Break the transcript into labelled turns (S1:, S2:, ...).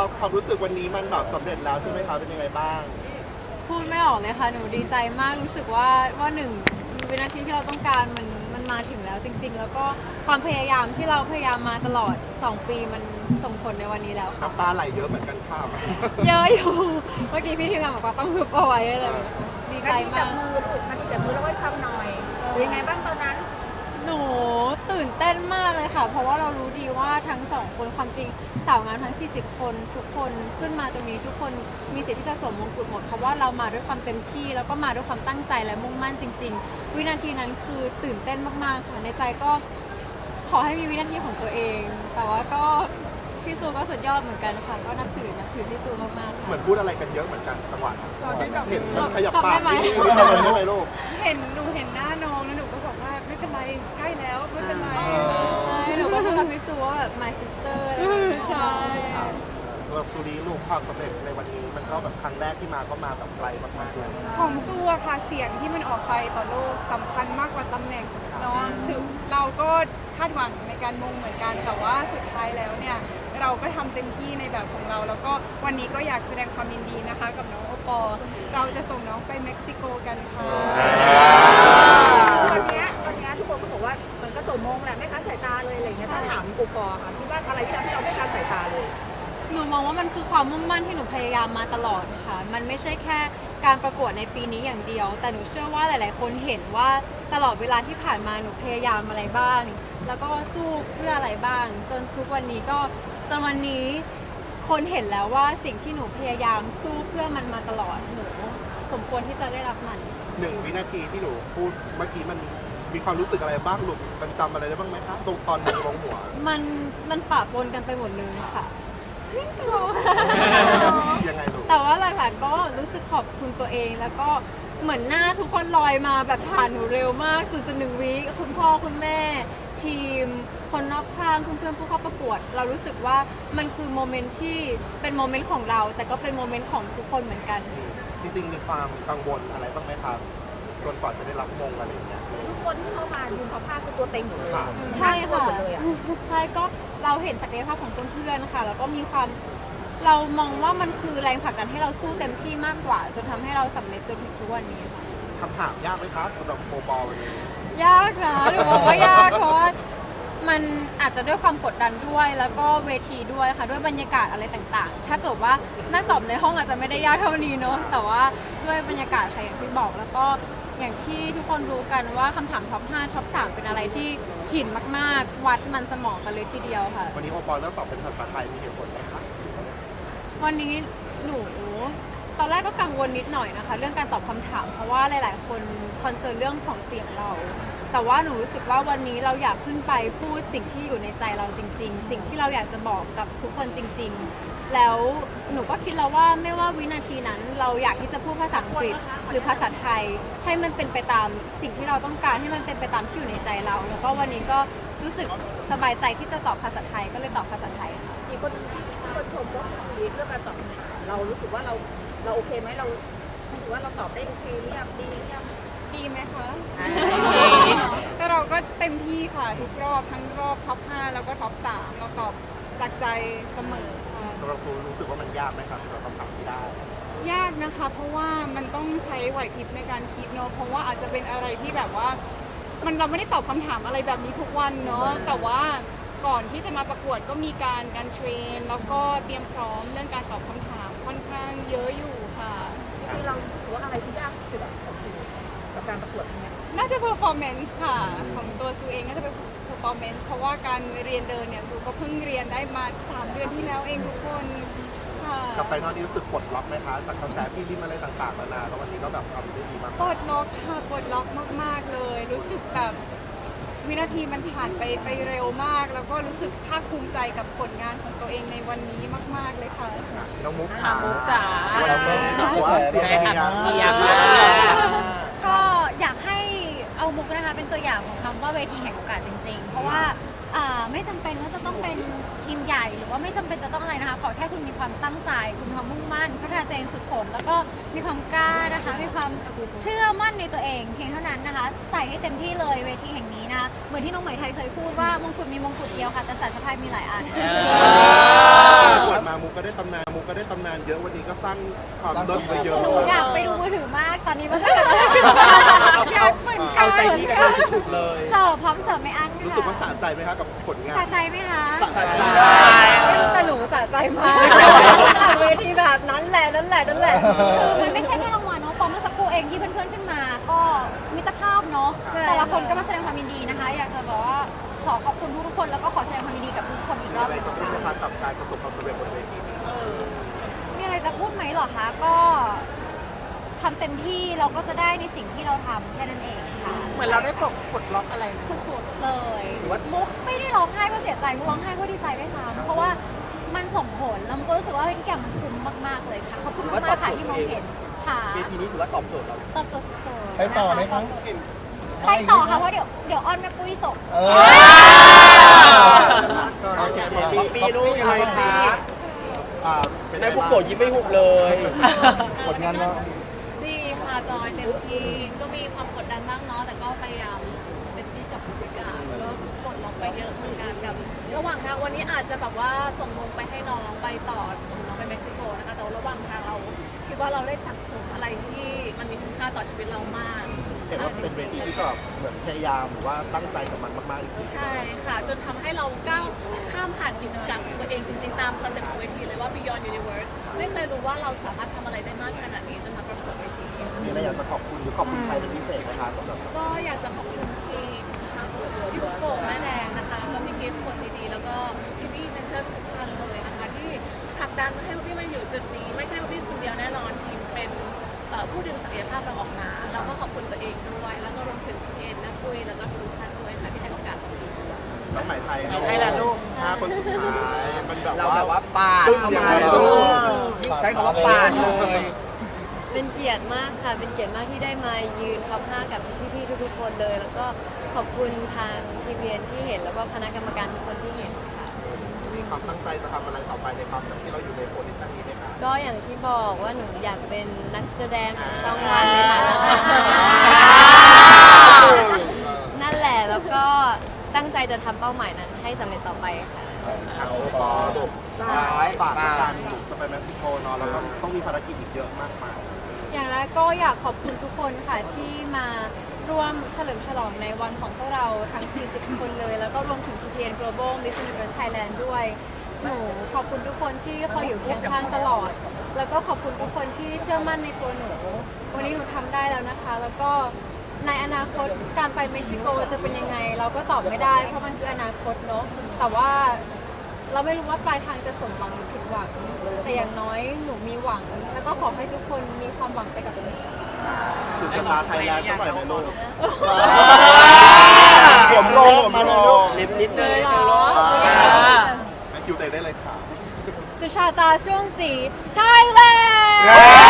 S1: ความรู้สึกวันนี้มันแบบสำเร็จแล้วใช่ไหมคะเป็นยังไงบ้าง
S2: พูดไม่ออกเลยค่ะหนูดีใจมากรู้สึกว่าหนึ่งวินาทีที่เราต้องการมันมาถึงแล้วจริง ๆ แล้วก็ความพยายามที่เราพยายามมาตลอด2 ปีมันส่งผลในวันนี้แล้วค่ะ
S1: น้ำตาไหลเยอะเหมือนกันค่ะ
S2: เยอะอยู่เมื่อกี้พี่ทีมงานบอกว่าต้องฮึบเอาไว้เลยดีใจ
S3: นาทีจั
S2: มา
S3: บ
S2: ก
S3: มือลูกนาทีจับมือแล้วไว้ฟังหน่อยเป็นยังไงบ้างตอนนั้น
S2: หนูตื่นเต้นมากเลยค่ะ เพราะว่าเรารู้ดีว่าทั้ง2 คนความจริงสาวงามทั้ง40 คนทุกคนขึ้นมาตรงนี้ทุกคนมีสิทธิ์ที่จะสวมมงกุฎหมดเพราะว่าเรามาด้วยความเต็มที่แล้วก็มาด้วยความตั้งใจและมุ่งมั่นจริง ๆ วินาทีนั้นคือตื่นเต้นมากๆค่ะในใจก็ขอให้มีวินาทีของตัวเอง แต่ว่าก็พี่ซูก็สุดยอดเหมือนกันค่ะก็นับถือพี่ซูมากๆ
S1: เหมื
S2: ค่ะ
S1: อนพูดอะไรกันเยอะเหมือนกันจังหวะนั้น
S4: เราได้จับ
S1: เห็นมันขยับ
S2: จับ
S1: ปา
S2: ได้
S1: ก
S2: ไหม
S1: นิดนึงทำอะไรได้ไหมลูก
S4: หนูเห็นหน้าน้องแล้วหนูก็บอกว่าไม่เป็นไรใกล้แล้วไม่เป็นไร
S2: ใช่หนูก็พูดกับพี่ซูว่าแบบ my sister อะไรอย่างเงี้ย
S4: ใช่
S1: ครับสำหรับซูรีลูกความสำเร็จในวันนี้มันก็แบบครั้งแรกที่มาก็มาแบบไกลมากๆเลย
S4: ของสู้อะค่ะเสียงที่มันออกไปต่อโลกสำคัญมากกว่าตำแหน่งเนาะถึงเราก็คาดหวังในการมงเหมือนกันแต่ว่าสุดท้ายแล้วเนี่ยเราก็ทำเต็มที่ในแบบของเรา แล้วก็วันนี้ก็อยากแสดงความยินดีนะคะ กับน้องโอปอล์เราจะส่งน้องไปเม็กซิโกกันค่ะ
S3: ตอนเนี้ยทุกคนก็บอกว่ามันก็สมมงแหละไม่ค้านสายตาเลยอะไรเงี้ยถ้าถามกูปอค่ะคิดว่าอะไรที่ทำให้เราไม่ค้านสายตาเลย
S2: หนูมองว่ามันคือความมุ่งมั่นที่หนูพยายามมาตลอดค่ะ มันไม่ใช่แค่การประกวดในปีนี้อย่างเดียว แต่หนูเชื่อว่าหลาย ๆ คนเห็นว่าตลอดเวลาที่ผ่านมาหนูพยายามอะไรบ้าง แล้วก็สู้เพื่ออะไรบ้าง จนทุกวันนี้ก็จนวันนี้คนเห็นแล้วว่าสิ่งที่หนูพยายามสู้เพื่อมันมาตลอดหนูสมควรที่จะได้รับมัน
S1: 1 วินาทีที่หนูพูดเมื่อกี้มันมีความรู้สึกอะไรบ้างลูกมันจำอะไรได้บ้างไหมคะตรงตอนมือลงหัว
S2: มันปะปนกันไปหมดเลยค่ะ
S1: ยังไงลูก
S2: แต่ว่าหลักๆก็รู้สึกขอบคุณตัวเองแล้วก็เหมือนหน้าทุกคนลอยมาแบบผ่านหนูเร็วมาก0.1 วิคุณพ่อคุณแม่ ทีม คนรอบข้างเพื่อนๆผู้เข้าประกวด เรารู้สึกว่ามันคือโมเมนต์ที่เป็นโมเมนต์ของเรา แต่ก็เป็นโมเมนต์ของทุกคนเหมือนกัน
S1: จริงๆมีความกังวลอะไรบ้างไหมครับจนกว่าจะได้รับมงอะไรอย่างเงี้ย
S3: ทุกคนที่เข้ามายืนเขาผ้าคือตัวเต็งหมดเลย
S1: ค่ะ
S2: ใช่ค่ะ
S3: หมดเลยอะ
S2: ใช่ก็เราเห็นศักยภาพของเพื่อนๆค่ะ แล้วก็มีความเรามองว่ามันคือแรงผลักดันให้เราสู้เต็มที่มากกว่า จนทำให้เราสำเร็จจนถึงทุกวันนี้ค่ะ
S1: คำถามยากไหมครับสำหรับโปรบอลวันนี้
S2: ยากนะหนูบอกว่ายากเพราะว่ามันอาจจะด้วยความกดดันด้วย แล้วก็เวทีด้วยค่ะด้วยบรรยากาศอะไรต่างๆ ถ้าเกิดว่านั่งตอบในห้องอาจจะไม่ได้ยากเท่านี้เนอะแต่ว่าด้วยบรรยากาศค่ะอย่างที่บอกแล้วก็อย่างที่ทุกคนรู้กันว่าคำถามท็อป 5 ท็อป 3 เป็นอะไรที่หินมากๆ วัดมันสมองกันเลยทีเดียวค่ะ
S1: วันนี้โอปอลเลือกตอบเป็นภาษาไทยมีเหตุผลไหมครับ
S2: วันนี้หนูตอนแรกก็กังวลนิดหน่อยนะคะ เรื่องการตอบคำถาม เพราะว่าหลายๆ คนคอนเซิร์นเรื่องของเสียงเรา แต่ว่าหนูรู้สึกว่าวันนี้เราอยากขึ้นไปพูดสิ่งที่อยู่ในใจเราจริง ๆ สิ่งที่เราอยากจะบอกกับทุกคนจริง ๆ แล้วหนูก็คิดแล้วว่าไม่ว่าวินาทีนั้นเราอยากที่จะพูดภาษาอังกฤษหรือภาษาไทย ให้มันเป็นไปตามสิ่งที่เราต้องการให้มันเป็นไปตามที่อยู่ในใจเรา แล้วก็วันนี้ก็รู้สึกสบายใจที่จะตอบภาษาไทยก็เลยตอบภาษาไทยค่ะ
S3: มีคนชมว่าเรื่องการตอบคำถามเรารู้สึกว่าเราโอเคไหมเรารู้สึกว่าเราตอบได้โอเคหรือยังดีหรือยัง
S4: ดีไหมคะแต่เราก็เต็มที่ค่ะทุกรอบทั้งรอบท็อป 5 แล้วก็ท็อป 3 เราตอบจากใจเสมอค่ะ
S1: สำหรับซูรู้สึกว่ามันยากไหมครับสำหรับคำถามที่ได้
S4: ยากนะคะ เพราะว่ามันต้องใช้ไหวพริบในการคิดเนอะเพราะว่าอาจจะเป็นอะไรที่แบบว่าเราไม่ได้ตอบคำถามอะไรแบบนี้ทุกวันเนาะแต่ว่าก่อนที่จะมาประกวดก็มีการเทรน แล้วก็เตรียมพร้อมเรื่องการตอบคำถามค่อนข้างเยอะอยู่ค่ะ
S3: จริงๆเราถือว่าอะไรที่ยากที่สุดของคุณกับการประกวดเนี่ย
S4: น่าจะ performance ค่ะของตัวซูเองน่าจะเป็น performance เพราะว่าการเรียนเดินเนี่ยซูก็เพิ่งเรียนได้มา3 เดือนที่แล้วเองทุกคนค่ะ
S1: กับไฟนอลนี้รู้สึกปลดล็อกไหมคะจากกระแสพี่ริมอะไรต่างๆนานาแล้ววันนี้ก็แบบทำได้ดีมาก
S4: ปลดล็อกค่ะปลดล็อกมากๆเลย รู้สึกแบบวินาทีมันผ่านไปเร็วมาก แล้วก็รู้สึกภาคภูมิใจกับผลงานของตัวเองในวันนี้มากๆเลยค่ะ
S1: น้องมุกจ๋า
S5: มุกจ๋า
S1: เราก็บอกว่าเสียง
S5: ยังไงคะ
S1: เชี
S5: เชี
S1: ย
S5: ยร์
S1: ร์
S6: ก็อยากให้เอามุกนะคะเป็นตัวอย่างของคำว่าเวทีแห่งโอกาสจริงๆ เพราะว่า
S5: ไม่จำเป็นว่าจะต้องเป็นทีมใหญ่หรือว่าไม่จำเป็นจะต้องอะไรนะคะขอแค่คุณมีความตั้งใจคุณมีความมุ่งมั่นพัฒนาตัวเองฝึกฝนแล้วก็มีความกล้านะคะมีความเชื่อมั่นในตัวเองเพียงเท่านั้นนะคะใส่ให้เต็มที่เลยเวทีแห่งนี้นะคะเหมือนที่น้องไหมไทยเคยพูดว่ามงกุฎมีมงกุฎเดียวค่ะแต่สายสะพายมีหลายอัน
S1: ประกวดมามุกก็ได้ตำนานเยอะวันนี้ก็สร้างความเลิศไปเยอะ
S5: หนูอยากไปดูมือถือมากตอนนี้มันก็อยากเหมือนกั
S6: เอา
S5: น
S6: ใจพี่กันสุดๆเลย
S5: เสิร์ฟพร้อมเสิร์ฟไม่อั้นค่ะ
S1: รู้สึกว่าสะใจไหมคะกับผลงาน
S5: สะใจไหมคะ
S1: สะใจ
S2: ไม่รู้แต่หนูสะใจมากเวทีแบบนั้นแหละ
S5: คือมันไม่ใช่แค่รางวัลเนาะพอเมื่อสักครู่เองที่เพื่อนๆขึ้นมาก็มิตรภาพเนาะ
S2: ใช่
S5: แต่ละคนก็มาแสดงความยินดีนะคะ อยากจะบอกว่าขอขอบคุณทุกๆคนแล้วก็ขอแสดงความยินดีกับทุกคนอีก
S1: มี
S5: รอบ
S1: อะไร
S5: หนึง
S1: จะพูดไหม
S5: ค่ะ
S1: คะกับการประสบความสำเร็จบนเวทีนี้
S5: มีอะไรจะพูดไหมเหรอคะก็ทำเต็มที่เราก็จะได้ในสิ่งที่เราทำแค่นั้นเองค่ะ
S3: เหมือนเราได้ปลดล็อกอะไร
S5: สุดๆเลย
S6: หรือว่า
S5: มุกไม่ได้ร้องไห้เพราะเสียใจมุกร้องไห้เพราะดีใจด้วยซ้ำเพราะว่ามันส่งผลแล้วมุกก็รู้สึกว่าเฮ้ยทุกอย่างมันคุ้มมากๆเลยค่ะขอบคุณมากๆค่ะที่มองเห็นค่ะ
S6: เวทีนี้ถือว่าตอบโจทย์เรา
S5: ตอบโจทย์สุดๆ
S7: ไปต่อไหมคะ
S5: ไปต่อค่ะเพราะเดี๋ยวอ้อนแม่ปุ้ยส่ง
S1: โอเค
S6: ป๊อปปี้ลูกยังไงคะ
S1: เป็น
S6: แม่
S1: ไง
S6: บุก
S1: บ้าง
S6: โกะยิ้มไม่หุบเลย
S7: ผลงานเรา
S8: ดีค่ะจอยเต็มที่ก็มีความกดดันบ้างเนาะแต่ก็พยายามเต็มที่กับพฤติกรรมก็ปลดล็อกไปเยอะเหมือนกันกับระหว่างทางวันนี้อาจจะแบบว่าส่งลงไปให้น้องไปต่อส่งน้องไปเม็กซิโกนะคะแต่ว่าระหว่างทางเราคิดว่าเราได้สั่งสมอะไรที่มันมีคุณค่าต่อชีวิตเรามาก
S1: เห็นว่าเป็นเวทีที่ก็เหมือนพยายามหรือว่าตั้งใจกับมันมากๆจริง
S8: ใช่ค่ะจนทำให้เราก้าวข้ามผ่านขีดจำกัดของตัวเองจริงๆตามคอนเซ็ปต์ของเวทีเลยว่า Beyond Universe ไม่เคยรู้ว่าเราสามารถทำอะไรได้มากขนาดนี้จนมาประกวดเวที
S1: ๆมีอะไรอยากจะขอบคุณหรือขอบคุณใครเป็นพิเศษไหมคะสำหรับ
S8: ก็อยากจะขอบคุณทีมพี่บุกโกะแม่แดงนะคะแล้วก็พี่กิฟต์ขวดซีดีแล้วก็พี่เมนเชอร์ทุกท่านเลยนะคะที่ผลักดันให้พี่มาอยู่จุดนี้ไม่ใช่พี่คนเดียวแน่นอนทีมเป็นผู้ดึงศักยภาพเราออกมาแล้วก็ขอบคุณตัวเองด้วยแล้วก็รวมถึงทีมเอ็นนะปุ้ยแล้วก็ทุกท่านด้วยค่ะที่ให้โอกาส
S1: น้องไหมไทย
S6: ให้ละลูก
S1: 5 คนสุดท้ายมันแบบ
S6: เราแบบว่าปาด
S1: ตึ้ง
S6: เข้า
S1: ยัง
S6: มา
S1: ไง
S6: เลย
S1: ลู
S6: ลู
S1: ก
S6: กยิ่งใช้คำว่าปาดเลย
S9: เป็นเกียรติมากค่ะ เป็นเกียรติมากที่ได้มายืนท็อป 5 กับพี่ๆทุกๆคนเลย แล้วก็ขอบคุณทางทีมเรียนที่เห็น แล้วก็คณะกรรมการทุกคนที่เห็นค่ะ
S1: มีความตั้งใจจะทำอะไรต่อไปในความแบบที่เราอยู่ในโพสิชันนี้ไหมคะ
S9: ก็อย่างที่บอกว่าหนูอยากเป็นนักแสดงของช่องวันในฐานะนั่นแหละ แล้วก็ตั้งใจจะทำเป้าหมายนั้นให้สำเร็จต่อไปค่ะ
S1: ทางโอปอลูกฝากในการลูกจะไปเม็กซิโกเนาะแล้วก็ต้องมีภารกิจอีกเยอะมากมาย
S2: อย่างแรกก็อยากขอบคุณทุกคนค่ะที่มาร่วมเฉลิมฉลองในวันของพวกเราทั้ง 40 คนเลย แล้วก็รวมถึง TPN Global Miss Universe Thailand ด้วย หนูขอบคุณทุกคนที่คอยอยู่เคียงข้างตลอด แล้วก็ขอบคุณทุกคนที่เชื่อมั่นในตัวหนู วันนี้หนูทำได้แล้วนะคะ แล้วก็ในอนาคตการไปเม็กซิโกจะเป็นยังไง เราก็ตอบไม่ได้ เพราะมันคืออนาคตเนาะ แต่ว่าเราไม่รู้ว่าปลายทางจะสมหวังหรือผิดหวัง แต่อย่างน้อยหนูมีหวัง แล้วก็ขอให้ทุกคนมีความหวังไปกับหนูค่ะ
S1: สุดชะตาไทยแลนด์สักหน่อยไหมลูก
S7: ผมลงมาเลยลูก
S6: ลิฟนิดนึ
S2: เล
S6: ง
S2: ยเหรอ
S1: แม่คิวเตะได้เลยค่ะ
S2: สุชาตาช่วงสีไทยแลนด์